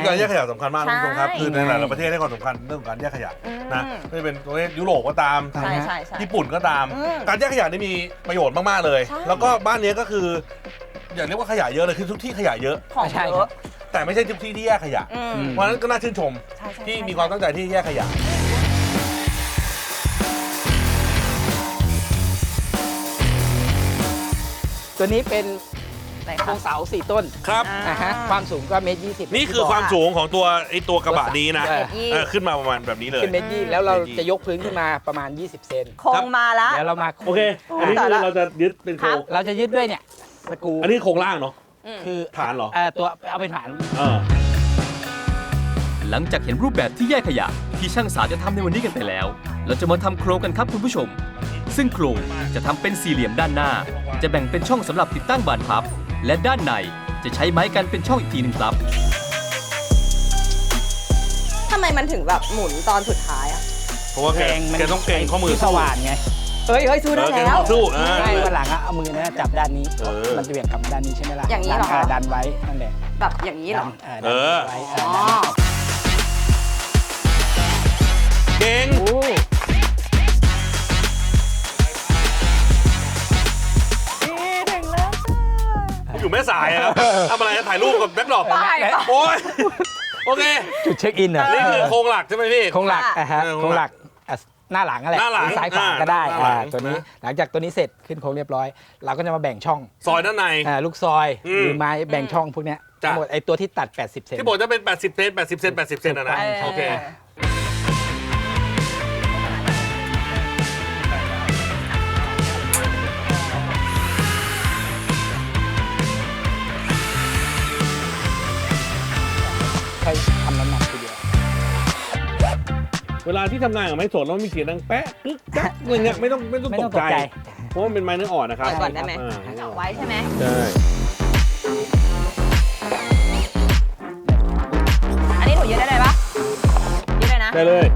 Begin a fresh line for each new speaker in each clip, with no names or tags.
การแยกขยะสำคัญมากคุณผู้ชมครับคือในหลายๆประเทศให้ความสำคัญเรื่องของการแยกขยะนะไม่เป็นประเทศยุโรปก็ตามญี่ปุ่นก็ตามการแยกขยะนี่มีประโยชน์มากๆเลยแล้วก็บ้านนี้ก็คืออย่าเรียกว่าขยะเยอะเลยคือทุกที่ขยะเยอะ
ของเยอะ
แต่ไม่ใช่ทุกที่ที่แยกขยะเพราะฉะนั้นก็น่าชื่นชมที่มีความตั้งใจที่แยกขยะ
ตัวนี้เป็นโครงเสา4 ต้น
ครับ
ความสูงก็1.20
นี่คือความสูงของตัวกระบะนี้นะขึ้นมาประมาณแบบนี้เลย
ขึ้น1.20 แล้วเราจะยกพื้นขึ้นมาประมาณ20 เซน
โครงมาแล้ว
เดี๋ยวเรามา
โอเคอันนี้คือเราจะยึดเป็นโครง
เราจะยึดด้วยเนี่ยสกรู
อันนี้โครงล่างเนาะ
คือ
ฐานเหรอ
ตัวเอาเป็นฐาน
หลังจากเห็นรูปแบบที่แยกขยะที่ช่างสาจะทำในวันนี้กันไปแล้วเราจะมาทำโครงกันครับคุณผู้ชมซึ่งโครงจะทำเป็นสี่เหลี่ยมด้านหน้าจะแบ่งเป็นช่องสำหรับติดตั้งบานพับและด้านในจะใช้ไม้กันเป็นช่องอีกทีหนึ่งครับ
ทำไมมันถึงแบบหมุนตอนสุดท้ายอ่ะ
เพราะว่าแกต้องเก่งข้อมือ
สว่านไง
เฮ้ยสู้ได้แล้ว
สู้
ใช่วันหลังเอามือนะจับด้านนี้มันจะเบี่ยงกลับด้านนี้ใช่ไหมล่ะ
อย่างนี้เหรอ
ดันไว้นั่นแหละ
แบบอย่างนี้เหรอ
ไว้
เก่งอยู่แม่สายครับทำอะไรถ่ายรูปกับแบ็คดรอปโอ้ยโอเค
จุดเช็คอินเหรอ
นี่คือโครงหลักใช่ไหมพี่
โครงหลักโครงหลักหน้าหลังอะไรซ้ายขวาก็ได้ตัวนี้หลังจากตัวนี้เสร็จขึ้นโครงเรียบร้อยเราก็จะมาแบ่งช่อง
ซอยด้านใน
ลูกซอยหรือไม้แบ่งช่องพวกนี้ทั้งหมดไอ้ตัวที่ตัด80 เซน
ที่บอกจะเป็น80 เซน80 เซน80 เซนนะโอเค
ใช้ทำน้ำหนักทีเดียว
เวลาที่ทำงานกับไม้สดแล้วมีเสียงดังแป๊ะกึ๊กกั๊กอะไรเงี้ยไม่ต้องตกใจเพราะมันเป็นไม้เนื้ออ่อนนะครับ
ก่อนได้ไหมไว้ใช่ไหม
ใช่
อันนี้หนูยืดได้เลยปะยืดเลยนะ
ได้เลย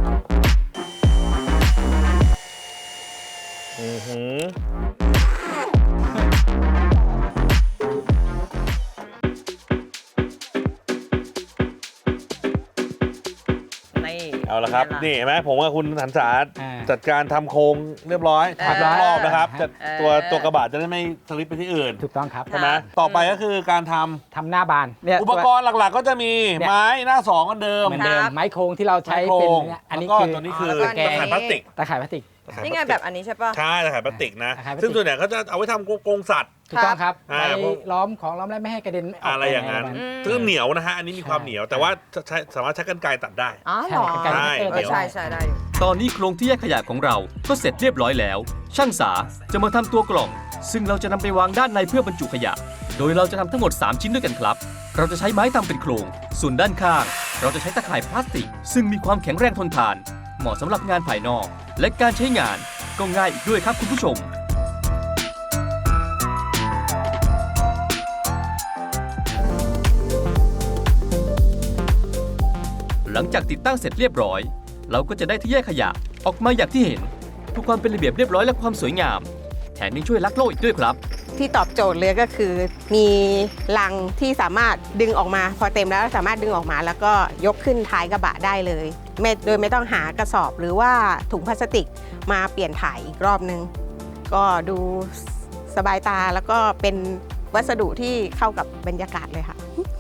เอาละครับนี่เห็นไหมผมกับคุณหันษาจัดการทำโครงเรียบร้อยรอบนะครับตัวกระบะจะได้ไม่สลิปไปที่อื่น
ถูกต้องครับ
ใช่ไหมต่อไปก็คือการทำ
หน้าบาน
อุปกรณ์หลักๆก็จะมีไม้หน้า2เหมือนเดิม
ไม้โครงที่เราใช้เป็นอันนี้คือ
ตัวนี้คือตะข่ายพลาสติก
นี่ไงแบบอันนี้ใช่ป่ะ
ใช่ตะข่ายพลาสติกนะซึ่งส่วนใหญ่เขาจะเอาไว้ทำกรงสัตว์
ถูกต้องครับไปล้อมแล้วไม่ให้กระเด็น
อะไรอย่างนั้นซึ่งเหนียวนะฮะอันนี้มีความเหนียวแต่ว่าสามารถใช้กรรไกรตัดได้
อ๋อเหรอใช่ได้
ตอนนี้โครงที่แยกขยะของเราก็เสร็จเรียบร้อยแล้วช่างสาจะมาทำตัวกล่องซึ่งเราจะนำไปวางด้านในเพื่อบรรจุขยะโดยเราจะทำทั้งหมด3ชิ้นด้วยกันครับเราจะใช้ไม้ทำเป็นโครงส่วนด้านข้างเราจะใช้ตะข่ายพลาสติกซึ่งมีความแข็งแรงทนทานเหมาะสำหรับงานภายนอกและการใช้งานก็ง่ายอีกด้วยครับคุณผู้ชมหลังจากติดตั้งเสร็จเรียบร้อยเราก็จะได้ที่แยกขยะออกมาอย่างที่เห็นทุกความเป็นระเบียบเรียบร้อยและความสวยงามแถมยังช่วยรักโลกอีกด้วยครับ
ที่ตอบโจทย์เลยก็คือมีลังที่สามารถดึงออกมาพอเต็มแล้วสามารถดึงออกมาแล้วก็ยกขึ้นท้ายกระบะได้เลยโดยไม่ต้องหากระสอบหรือว่าถุงพลาสติกมาเปลี่ยนถ่ายอีกรอบนึงก็ดูสบายตาแล้วก็เป็นวัสดุที่เข้ากับบรรยากาศเลยค่ะ